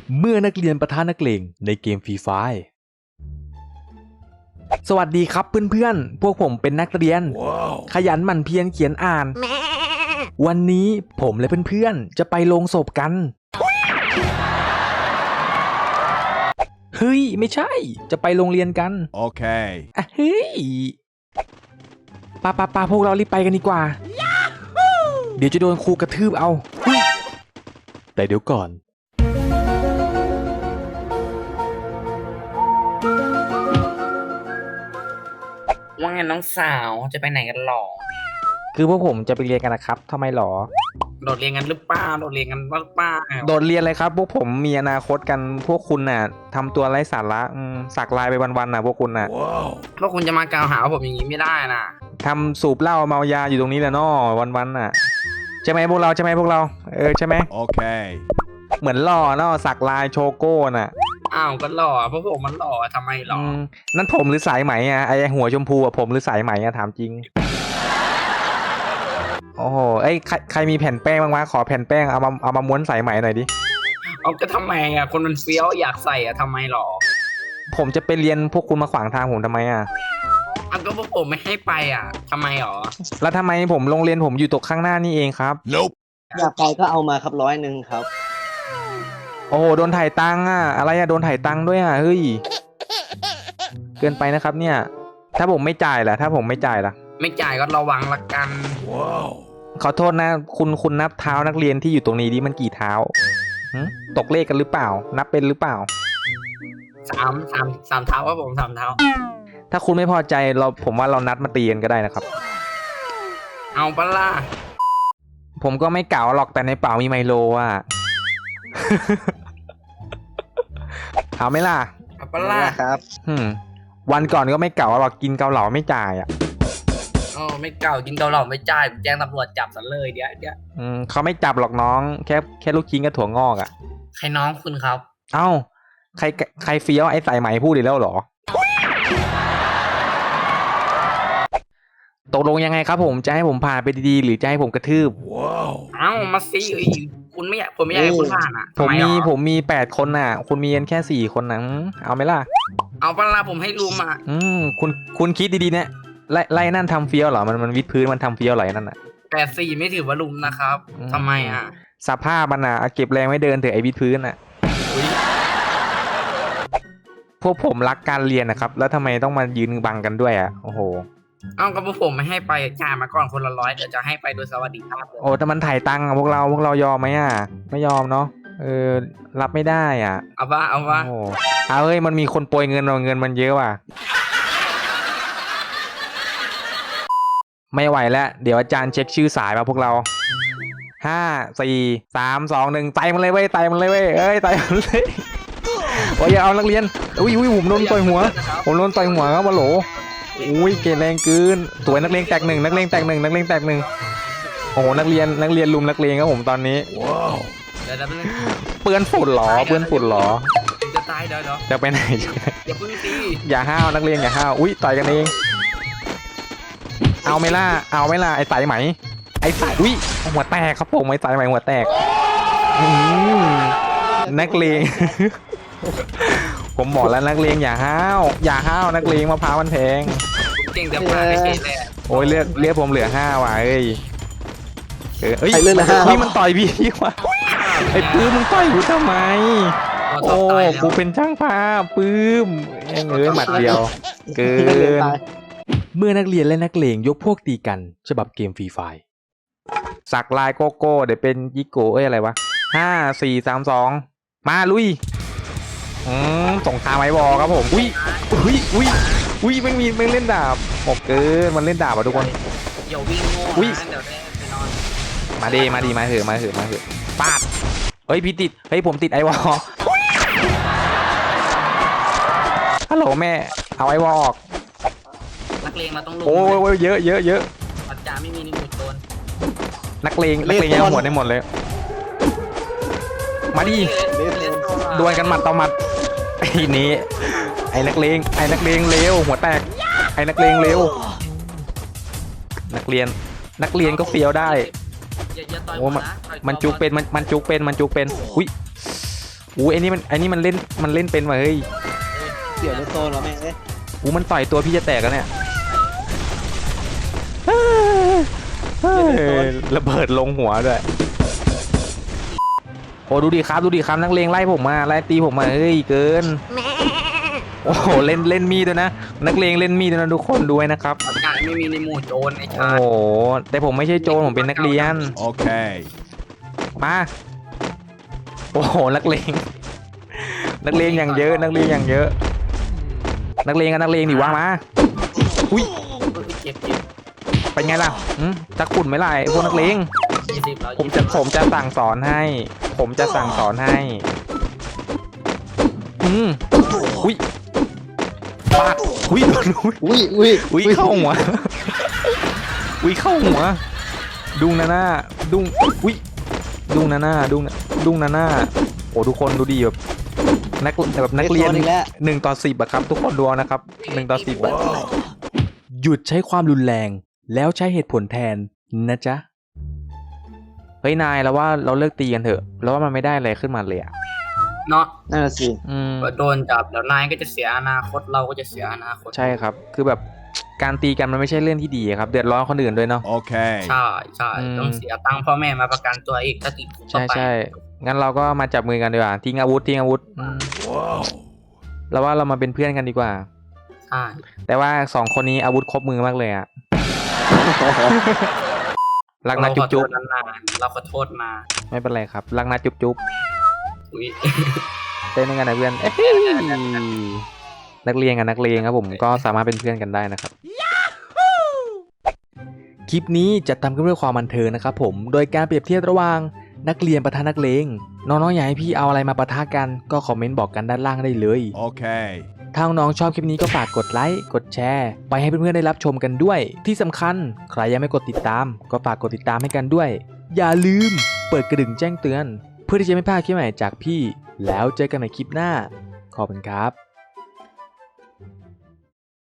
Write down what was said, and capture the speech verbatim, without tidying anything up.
เมื่อนักเรียนปะทะนักเลงในเกมฟรีไฟร์สวัสดีครับเพื่อนๆพวกผมเป็นนักเรียน wow. ขยันหมั่นเพียรเขียนอ่าน วันนี้ผมและเพื่อนๆจะไปโรงศพกัน เฮ้ยไม่ใช่จะไปโรงเรียนกันโอเคอ่ะเฮ้ยปาปาปาพวกเรารีบไปกันดีกว่า เดี๋ยวจะโดนครูกระทืบเอาแต่เดี๋ยวก่อนว่าไงน้องสาวจะไปไหนกันหรอคือพวกผมจะไปเรียนกันนะครับทำไมหรอโดดเรียนกันหรือเปล่าโดดเรียนกันหรือเปล่าโดดเรียนเลยครับพวกผมมีอนาคตกันพวกคุณน่ะทำตัวไร้สาระสักลายไปวันๆน่ะพวกคุณน่ะ wow. พวกคุณจะมากล่าวหาว่าผมอย่างนี้ไม่ได้นะทำสูบเหล้าเมายาอยู่ตรงนี้แหละน้อวันๆน่ะใช่ไหมพวกเราใช่ไหมพวกเราเออใช่ไหมโอเคเหมือนหล่อเนาะสักลายโชโก้น่ะอ้าวก็หล่อเพราะผมมันหล่อทำไมหล่อนั่นผมหรือสายไหมอ่ะไอหัวชมพูอ่ะผมหรือสายไหมอ่ะถามจริงโอ้โหไอ้ใครใครมีแผ่นแป้งบ้างวะขอแผ่นแป้งเอามาเอามาม้วนสายไหมหน่อยดิเอาก็ทำไมอ่ะคนมันเฟี้ยวอยากใส่อ่ะทำไมหรอผมจะไปเรียนพวกคุณมาขวางทางผมทำไมอ่ะเอาก็พวกผมไม่ให้ไปอ่ะทำไมหรอแล้วทำไมผมโรงเรียนผมอยู่ตรงข้างหน้านี่เองครับ nope. อยากไปก็เอามาครับร้อยหนึ่งครับโอ้โหโดนถ่ายตังค์อ่ะอะไรอ่ะโดนถ่ายตังค์ด้วยอ่ะเฮ้ยเกินไปนะครับเนี่ยถ้าผมไม่จ่ายล่ะถ้าผมไม่จ่ายล่ะไม่จ่ายก็ระวังละกันว้าวขอโทษนะคุณคุณนับเท้านักเรียนที่อยู่ตรงนี้ดิมันกี่เท้าตกเลขกันหรือเปล่านับเป็นหรือเปล่าสามสามสามเท้าว่าผมสามเท้าถ้าคุณไม่พอใจเราผมว่าเรานัดมาตีกันก็ได้นะครับเอาปะล่ะผมก็ไม่เก่าหรอกแต่ในเป๋ามีไมโลอ่ะเอาไหมล่ะเอาปะล่ะครับวันก่อนก็ไม่เก่าหรอกกินเกาเหลาไม่จ่ายอ่ะอ๋อไม่เก่ากินเกาเหลาไม่จ่ายแจ้งตำรวจจับซะเลยเดี๋ยวเดี๋ยวอืมเขาไม่จับหรอกน้องแค่แค่ลูกชิ้นกับถั่วงอกอ่ะใครน้องคุณครับเอ้าใครใครเฟี้ยวไอ้สายไหมพูดอีกแล้วเหรอตกลงยังไงครับผมจะให้ผมผ่านไปดีๆหรือจะให้ผมกระทืบว้าวเอ้ามาสิคุณไม่อยากผมไม่อยากให้คุณผ่านอ่ะผมมีผมมีแปดคนน่ะคุณมีกันแค่สี่คนนะเอาไหมล่ะเอาปะล่ะผมให้ลุมอ่ะอืมคุณคุณคิดดีๆเนี่ยไล่ไล่นั่นทำเฟี้ยวเหรอมันมันวิดพื้นมันทำเฟี้ยวเหรอนั่นน่ะแปดสี่ไม่ถือว่าลุมนะครับทำไมอ่ะสภาพมันอ่ะเก็บแรงไม่เดินเถอะไอ้วิดพื้นอ่ะพวกผมรักการเรียนนะครับแล้วทำไมต้องมายืนบังกันด้วยอ่ะโอ้โหเอ้าก็พวกผมไม่ให้ไปจ่ายมาก่อนคนละร้อยเดี๋ยวจะให้ไปโดยสวัสดิภาพเลยโอ้แต่มันถ่ายตังค์พวกเราพวกเรายอมไหมอ่ะไม่ยอมเนาะเออรับไม่ได้อ่ะเอาว่าเอาว่าโอ้เอาเฮ้ยมันมีคนโปรยเงินเราเงินมันเยอะว่ะไม่ไหวแล้วเดี๋ยวอาจารย์เช็คชื่อสายมาพวกเราห้าสี่สามสองหนึ่งไต่มันเลยเว้ยไต่มันเลยเว้ยเอ้ยไต่มันเลยโอ้ยเอานักเรียนอุ้ยอุ้ยผมโดนต่อยหัวผมโดนต่อยหัวครับวะโหลอุ้ยเกแรงเกินสวยนักเลงแตกหนึ่งนักเลงแตกหนึ่งนักเลงแตกหนึ่งโอ้โหนักเรียนนักเรียนลุมนักเลงครับผมตอนนี้ว้าวเปื้อนฝุ่นหรอเปื้อนฝุ่นหรอจะตายเดี๋ยวเดี๋ยวจะไปไหนอย่าพึ่งตีอย่าห้าวนักเรียนอย่าห้าวอุ้ยต่อยกันเองเอาไม่ล่ะเอาไม่ล่ะไอ้สายไหมไอ้สายอุ้ยหัวแตกครับผมไอ้สายไหมหัวแตกนักเลงผมบอกแล้วนักเลงอย่าห้าวอย่าห้าวนักเลงมะพร้าวมันแพงเก่งแต่ปลาเฉยเลยโอ้ยเลือดเลือดผมเหลือห้าว่ะเอ้ยเอ้ยนี่มันต่อยพี่ว่ะไอ้ปื้มมึงต่อยกูทำไมโอ้กูเป็นช่างภาพปื้มเอ้ยเอ้ยหมัดเดียวเกินเมื่อนักเรียนและนักเลงยกพวกตีกันฉบับเกมฟรีไฟร์สักลายโกโก้เดี๋ยวเป็นยิโก้เอ้ยอะไรวะห้าสี่สามสองมาลุยอืมส่งทางไม้บอลครับผมอุ้ยอุ้ยอุ้ยอุ้ยไม่มีไม่เล่นดาบโอ้เกินมันเล่นดาบอ่ะทุกคนอย่าวิ่งโง่อุ้ยเดี๋ยวได้ไปนอนมาดีมาดีมาเถอะมาเถอะมาเถอะปาดเฮ้ยพี่ติดเฮ้ยผมติดไอวอลฮัลโหลแม่เอาไอวอลออกนักเลงเราต้องลงโอ้ยเยอะเยอะเยอะปัจจาไม่มีนิมุตโดนนักเลงนักเลงยังหมดได้หมดเลยมาดิดวลกันหมัดต่อหมัดไอ้นี้ไอ้นักเลงไอ้นักเลงเร็วหัวแตกไอ้นักเลงเร็วนักเรียนนักเรียนก็เฟี้ยวได้โอ้มันมันจุกเป็นมันมันจุกเป็นมันจุกเป็นอุ้ยอู้ไอ้นี่มันไอ้นี่มันเล่นมันเล่นเป็นว่ะเฮ้ยเกี่ยวรถโซนเหรอแม่งเอ้ยอู้มันต่อยตัวพี่จะแตกแล้วเนี่ยเฮ้ยระเบิดลงหัวด้วยโอ้ดูดิครับดูดิครับนักเลงไล่ผมมาไล่ตีผมมาเฮ้ยเกินโอ้โหเล่นเล่นมีดด้วยนะนักเลงเล่นมีดด้วยนะทุกคนด้วยนะครับงานไม่มีในหมู่โจรไอ้โอ้ชาโหแต่ผมไม่ใช่โจรผมเป็นนักเรียน Okay. มาโอ้โหนักเลงนักเลงอย่างเยอะนักเลงอย่างเยอะ นักเลงกันนักเลงดิว่ามาอุ้ยเจ็บเจ็บเป็นไงล่ะอืมจะขุ่นไหมล่ะไอ้พวกนักเลงยี่สิบแล้วผมจะผมจะสั่งสอนให้ ผมจะสั่งสอนให้อืมอุ้ยปากอุ้ยโดนอุ้ยอุ้ยอุ้ยอุ้ยเข้าหัวอุ้ยเข้าหัว ดุงนาน่าดุงอุ้ยดุงนาน่าดุงดุงนาน่าโอ้ทุกคนดูดีแบบนักแบบนักเรียนอีกแล้วหนึ่งต่อสิบอะครับทุกคนดูเอานะครับหนึ่งต่อสิบอะหยุดใช้ความรุนแรงแล้วใช้เหตุผลแทนนะจ๊ะเฮ้ยนายแล้วว่าเราเลิกตีกันเถอะแล้วว่ามันไม่ได้อะไรขึ้นมาเลยอะเนาะนั่นแหละสิอืมโดนจับเดี๋ยวนายก็จะเสียอนาคตเราก็จะเสียอนาคตใช่ครับคือแบบการตีกันมันไม่ใช่เรื่องที่ดีครับเดือดร้อนคนอื่นด้วยเนาะ Okay. ใช่ใช่อืมต้องเสียตังค์พ่อแม่มาประกันตัวอีกถ้าติดคุกเข้าใช่ไปใช่งั้นเราก็มาจับมือกันดีกว่าทิ้งอาวุธทิ้งอาวุธอืม Whoa. แล้วว่าเรามาเป็นเพื่อนกันดีกว่าใช่แต่ว่าสองคนนี้อาวุธครบมือมากเลยอะรักนะเราจุ๊ขบอโทจุ๊บษนานๆเราขอโทษมาไม่เป็นไรครับรักนะจุ๊บจุ๊บอุ้ยเต้นด้วยกันนะเพื่อนเอ้ยนักเรียนกับนักเลงครับผมก็สามารถเป็นเพื่อนกันได้นะครับคลิปนี้จะทำขึ้นเพื่อความบันเทิงนะครับผมโดยการเปรียบเทียบระหว่างนักเรียนปะทะนักเลงน้องๆอยากให้พี่เอาอะไรมาปะทะกันก็คอมเมนต์บอกกันด้านล่างได้เลย Okay. ถ้าน้องๆชอบคลิปนี้ก็ฝากกดไลค์ กดแชร์ ไปให้เพื่อนๆได้รับชมกันด้วย ที่สำคัญใครยังไม่กดติดตาม ก็ฝากกดติดตามให้กันด้วย อย่าลืมเปิดกระดิ่งแจ้งเตือน เพื่อที่จะไม่พลาดคลิปใหม่จากพี่ แล้วเจอกันใหม่คลิปหน้า ขอบคุณครับ